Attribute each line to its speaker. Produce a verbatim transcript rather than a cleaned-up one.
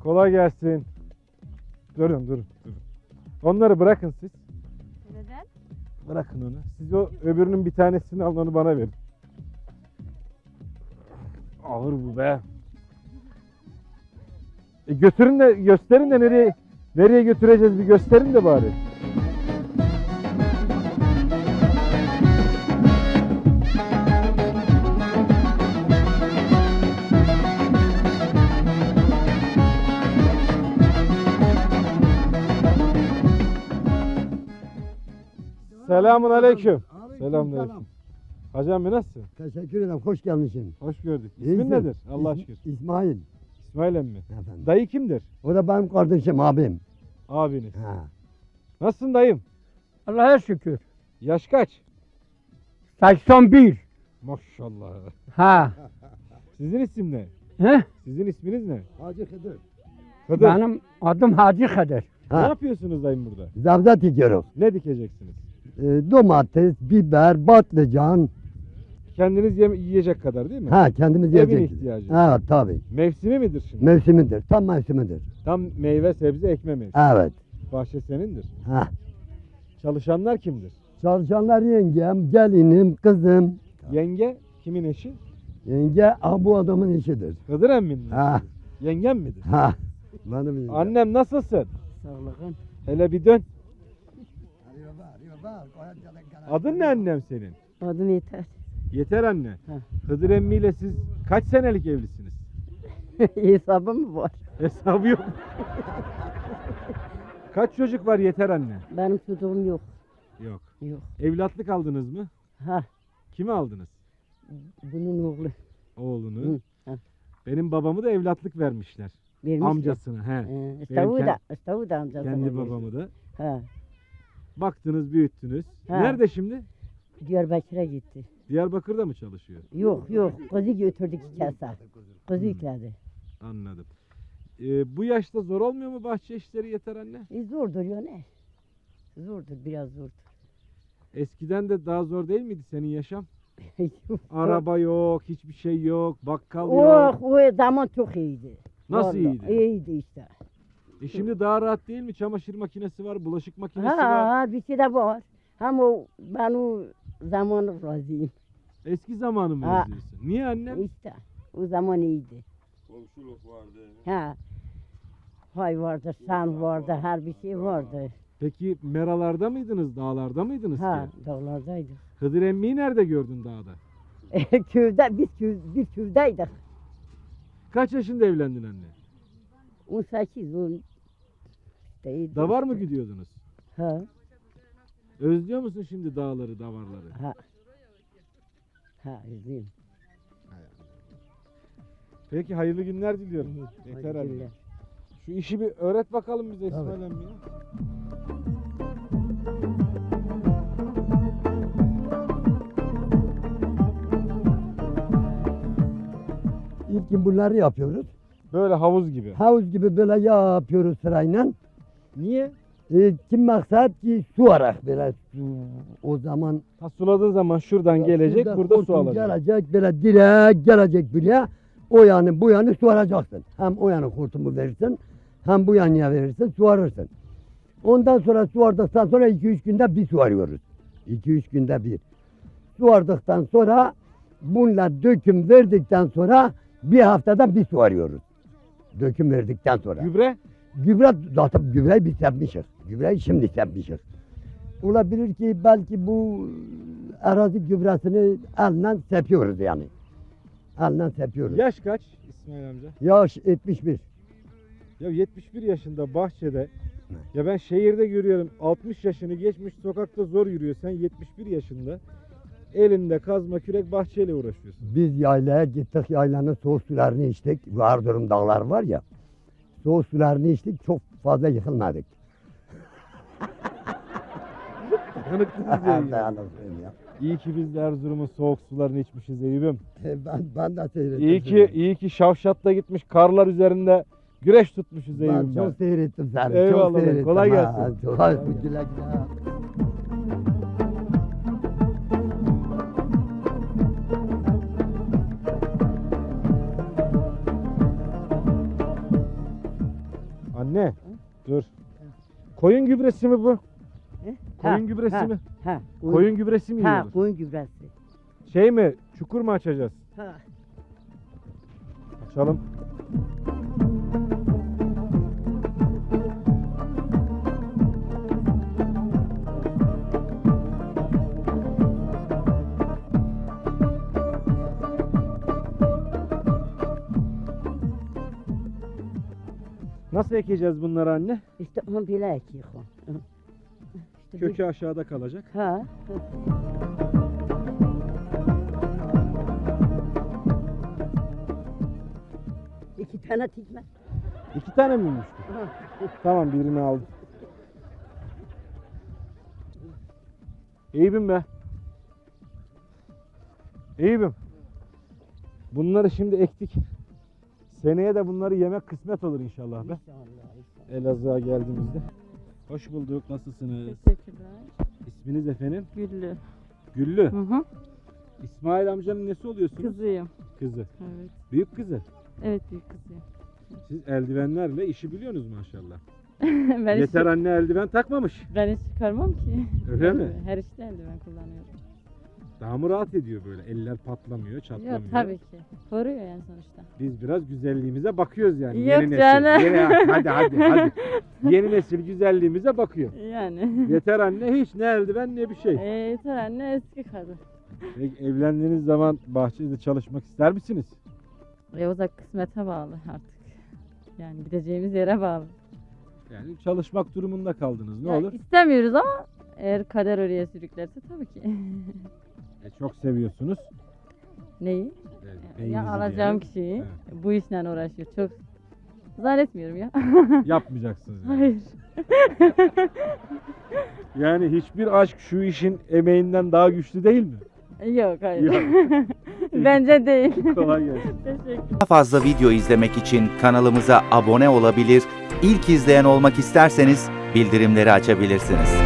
Speaker 1: Kolay gelsin. Durun durun durun. Onları bırakın siz.
Speaker 2: Neden?
Speaker 1: Bırakın onu. Siz o öbürünün bir tanesini alın, onu bana verin. Ağır bu be. E götürün de gösterin de nereye nereye götüreceğiz, bir gösterin de bari. Selamun aleyküm. Selamun aleyküm. Hacı amca nasılsın?
Speaker 3: Teşekkür ederim. Hoş gelmişsin.
Speaker 1: Hoş gördük.
Speaker 3: İyisin.
Speaker 1: İsmin nedir? Allah'a
Speaker 3: İs-
Speaker 1: şükür.
Speaker 3: İsmail.
Speaker 1: İsmail emmi.
Speaker 3: Efendim.
Speaker 1: Dayı kimdir?
Speaker 3: O da benim kardeşim, abim.
Speaker 1: Abiniz.
Speaker 3: Ha.
Speaker 1: Nasılsın dayım?
Speaker 4: Allah'a şükür.
Speaker 1: Yaş kaç?
Speaker 4: seksen bir.
Speaker 1: Maşallah.
Speaker 4: Ha.
Speaker 1: Sizin isim ne?
Speaker 4: He?
Speaker 1: Sizin isminiz ne?
Speaker 3: Hacı Hıdır.
Speaker 1: Hıdır.
Speaker 4: Benim adım Hacı Kadir.
Speaker 1: Ne
Speaker 3: Ha.
Speaker 1: yapıyorsunuz dayım burada?
Speaker 3: Zavza dikiyoruz.
Speaker 1: Ne dikeceksiniz?
Speaker 3: Ee, domates, biber, patlıcan.
Speaker 1: Kendiniz yeme- yiyecek kadar değil mi?
Speaker 3: Ha, kendimiz
Speaker 1: Evin
Speaker 3: yiyecek.
Speaker 1: ihtiyacı.
Speaker 3: Ha, tabii.
Speaker 1: Mevsimi midir şimdi?
Speaker 3: Mevsimidir. Tam mevsimidir.
Speaker 1: Tam meyve, sebze, ekme mevsimi.
Speaker 3: Evet.
Speaker 1: Bahçe senindir.
Speaker 3: Ha.
Speaker 1: Çalışanlar kimdir?
Speaker 3: Çalışanlar yengem, gelinim, kızım.
Speaker 1: Yenge kimin eşi?
Speaker 3: Yenge ah, bu adamın işidir.
Speaker 1: Hıdır emminin
Speaker 3: Ha.
Speaker 1: eşi. Yengem midir?
Speaker 3: Ha. Benim yengem.
Speaker 1: Annem nasılsın?
Speaker 4: Sağlıkın.
Speaker 1: Hele bir dön. Adın ne annem senin?
Speaker 2: Adım yeter.
Speaker 1: Yeter anne.
Speaker 4: Ha.
Speaker 1: Hıdır emmiyle siz kaç senelik evlisiniz?
Speaker 2: Hesabım mı var?
Speaker 1: Hesabı yok. Kaç çocuk var Yeter anne?
Speaker 2: Benim çocuğum yok.
Speaker 1: Yok.
Speaker 2: Yok.
Speaker 1: Evlatlık aldınız mı?
Speaker 2: Ha.
Speaker 1: Kimi aldınız?
Speaker 2: Bunun oğlu.
Speaker 1: Oğlunu.
Speaker 2: Hı, ha.
Speaker 1: Benim babamı da evlatlık vermişler.
Speaker 2: Vermiş.
Speaker 1: Amcasına. He.
Speaker 2: Ee,
Speaker 1: Benim
Speaker 2: İstavu
Speaker 1: kend-
Speaker 2: da, İstavu da amcası.
Speaker 1: Kendi babamı da.
Speaker 2: Ha.
Speaker 1: Baktınız, büyüttünüz.
Speaker 2: Ha.
Speaker 1: Nerede şimdi?
Speaker 2: Diyarbakır'a gitti.
Speaker 1: Diyarbakır'da mı çalışıyor?
Speaker 2: Yok yok. Kızı götürdük kasa. Kızı yükledi.
Speaker 1: Anladım. Ee, bu yaşta zor olmuyor mu bahçe işleri Yeter anne?
Speaker 2: E, zordur ya ne? Zordur biraz zordur.
Speaker 1: Eskiden de daha zor değil miydi senin yaşam?
Speaker 2: Yok.
Speaker 1: Araba yok, hiçbir şey yok, bakkal
Speaker 2: Oh,
Speaker 1: yok.
Speaker 2: o zaman çok iyiydi.
Speaker 1: Nasıl
Speaker 2: Vallahi
Speaker 1: iyiydi?
Speaker 2: İyiydi işte.
Speaker 1: E şimdi daha rahat değil mi? Çamaşır makinesi var, bulaşık makinesi
Speaker 2: Ha,
Speaker 1: var.
Speaker 2: ha bir şey de var. Ama o- ben o zamanı razıyım.
Speaker 1: Eski zamanı mı
Speaker 2: Ha.
Speaker 1: özlüyorsun? Niye annem?
Speaker 2: İşte o zaman iyiydi.
Speaker 5: Komşuluk vardı.
Speaker 2: Ha. Hay vardı, san vardı, her bir şey vardı.
Speaker 1: Peki meralarda mıydınız, dağlarda mıydınız
Speaker 2: Ha,
Speaker 1: ki?
Speaker 2: dağlardaydık.
Speaker 1: Hıdır emmiyi nerede gördün dağda?
Speaker 2: Köyde, biz köy, biz köydeydik.
Speaker 1: Kaç yaşında evlendin anne?
Speaker 2: on sekiz, on işte,
Speaker 1: Davar mı gidiyordunuz?
Speaker 2: Ha,
Speaker 1: Özlüyor musun şimdi dağları, davarları?
Speaker 2: ha. Ha, üzüldüm.
Speaker 1: Peki hayırlı günler diliyorum. Yeter
Speaker 2: Hadi
Speaker 1: anne.
Speaker 2: günler.
Speaker 1: Şu işi bir öğret bakalım bize
Speaker 3: Tabii.
Speaker 1: İsmail emmi ya.
Speaker 3: İlk gün bunları yapıyoruz.
Speaker 1: Böyle havuz gibi.
Speaker 3: Havuz gibi böyle yapıyoruz sırayla.
Speaker 1: Niye?
Speaker 3: E, kim maksat ki su arak böyle su, o zaman
Speaker 1: Ha, suladığı zaman şuradan gelecek,
Speaker 3: şurada
Speaker 1: burada su
Speaker 3: hortum
Speaker 1: alacak.
Speaker 3: Gelecek böyle direkt gelecek buraya. O yanı bu yanı su aracaksın. Hem o yanı hortumu verirsin hem bu yanıya verirsin su arırsın. Ondan sonra su ardıktan sonra iki üç günde bir su arıyoruz. iki üç günde bir. Su ardıktan sonra bununla döküm verdikten sonra bir haftada bir su arıyoruz. Döküm verdikten sonra.
Speaker 1: Gübre?
Speaker 3: Gübre zaten gübreyi biz yapmışız. Gübreyi şimdi yapmışız. Olabilir ki belki bu arazi gübresini elle sepiyoruz yani. Elle sepiyoruz.
Speaker 1: Yaş kaç İsmail amca?
Speaker 3: Yaş yetmiş bir.
Speaker 1: Ya yetmiş bir yaşında bahçede. Ya ben şehirde görüyorum altmış yaşını geçmiş sokakta zor yürüyor. Sen yetmiş bir yaşında elinde kazma kürek bahçeyle uğraşıyorsun.
Speaker 3: Biz yaylaya gittik, yaylanın soğuk sularını içtik. Bu Erzurum dağlar var ya. Soğuk sularını içtik, çok fazla yıkılmadık.
Speaker 1: Yanıklıyız ya.
Speaker 3: Dayanıklıyım ya.
Speaker 1: İyi ki biz de Erzurum'un soğuk sularını içmişiz Eyüp'üm.
Speaker 3: Ben, ben de seyrettim.
Speaker 1: İyi ki iyi ki Şavşat'ta gitmiş karlar üzerinde güreş tutmuşuz
Speaker 3: Ben
Speaker 1: Eyüp'üm.
Speaker 3: çok seyrettim seni.
Speaker 1: Eyvallah,
Speaker 3: çok seyrettim.
Speaker 1: kolay
Speaker 3: ha.
Speaker 1: gelsin.
Speaker 3: Çok, güle güle.
Speaker 1: Anne dur. Koyun gübresi mi bu?
Speaker 2: He?
Speaker 1: Koyun
Speaker 2: Ha,
Speaker 1: gübresi
Speaker 2: ha,
Speaker 1: mi?
Speaker 2: Ha,
Speaker 1: Koyun gübresi mi
Speaker 2: Ha,
Speaker 1: yiyoruz?
Speaker 2: koyun gübresi.
Speaker 1: Şey mi? Çukur mu açacağız?
Speaker 2: Ha.
Speaker 1: Açalım. Nasıl ekeceğiz bunları anne?
Speaker 2: İşte onu bile ekiyor. İşte bu-
Speaker 1: Kökü aşağıda kalacak.
Speaker 2: Ha. İki tane tikme.
Speaker 1: İki tane miymiş bu?
Speaker 2: Ha.
Speaker 1: Tamam birini aldım. Eyüp'üm be. Eyüp'üm. Bunları şimdi ektik. Seneye de bunları yemek kısmet olur inşallah be.
Speaker 2: İnşallah, inşallah.
Speaker 1: Elazığ'a geldiğimizde. Hoş bulduk. Nasılsınız?
Speaker 5: Teşekkürler.
Speaker 1: İsminiz efendim?
Speaker 5: Güllü.
Speaker 1: Güllü.
Speaker 5: Hı hı.
Speaker 1: İsmail amcanın nesi oluyorsunuz?
Speaker 5: Kızıyım.
Speaker 1: Kızı.
Speaker 5: Evet.
Speaker 1: Büyük kızı.
Speaker 5: Evet büyük kızıyım.
Speaker 1: Siz eldivenlerle işi biliyorsunuz maşallah.
Speaker 5: ben
Speaker 1: Yeter
Speaker 5: hiç,
Speaker 1: anne eldiven takmamış.
Speaker 5: ben hiç çıkarmam ki.
Speaker 1: Öyle mi?
Speaker 5: Her işte eldiven kullanıyorum.
Speaker 1: Daha mı rahat ediyor böyle? Eller patlamıyor, çatlamıyor.
Speaker 5: Yok tabii ki. Koruyor yani sonuçta.
Speaker 1: Biz biraz güzelliğimize bakıyoruz yani.
Speaker 5: Yok
Speaker 1: Yeni nesil.
Speaker 5: canım.
Speaker 1: Yeni, hadi hadi hadi. Yeni nesil güzelliğimize bakıyor.
Speaker 5: Yani.
Speaker 1: Yeter anne hiç ne eldiven ne bir şey.
Speaker 5: e, yeter anne eski kadın.
Speaker 1: Peki, evlendiğiniz zaman bahçede çalışmak ister misiniz?
Speaker 5: E o da kısmete bağlı artık. Yani gideceğimiz yere bağlı.
Speaker 1: Yani çalışmak durumunda kaldınız. Ne
Speaker 5: Ya
Speaker 1: olur?
Speaker 5: İstemiyoruz ama eğer kader oraya sürüklerse tabii ki.
Speaker 1: E, çok seviyorsunuz.
Speaker 5: Neyi?
Speaker 1: Yani
Speaker 5: Ya
Speaker 1: beyinizi
Speaker 5: alacağım
Speaker 1: diyelim.
Speaker 5: kişiyi
Speaker 1: Evet.
Speaker 5: bu işle uğraşıyor. Çok zannetmiyorum ya.
Speaker 1: Yapmayacaksınız. Yani.
Speaker 5: Hayır.
Speaker 1: Yani hiçbir aşk şu işin emeğinden daha güçlü değil mi?
Speaker 5: Yok hayır.
Speaker 1: Yok.
Speaker 5: Bence değil.
Speaker 1: Kolay gelsin.
Speaker 5: Teşekkür.
Speaker 6: Daha fazla video izlemek için kanalımıza abone olabilir, ilk izleyen olmak isterseniz bildirimleri açabilirsiniz.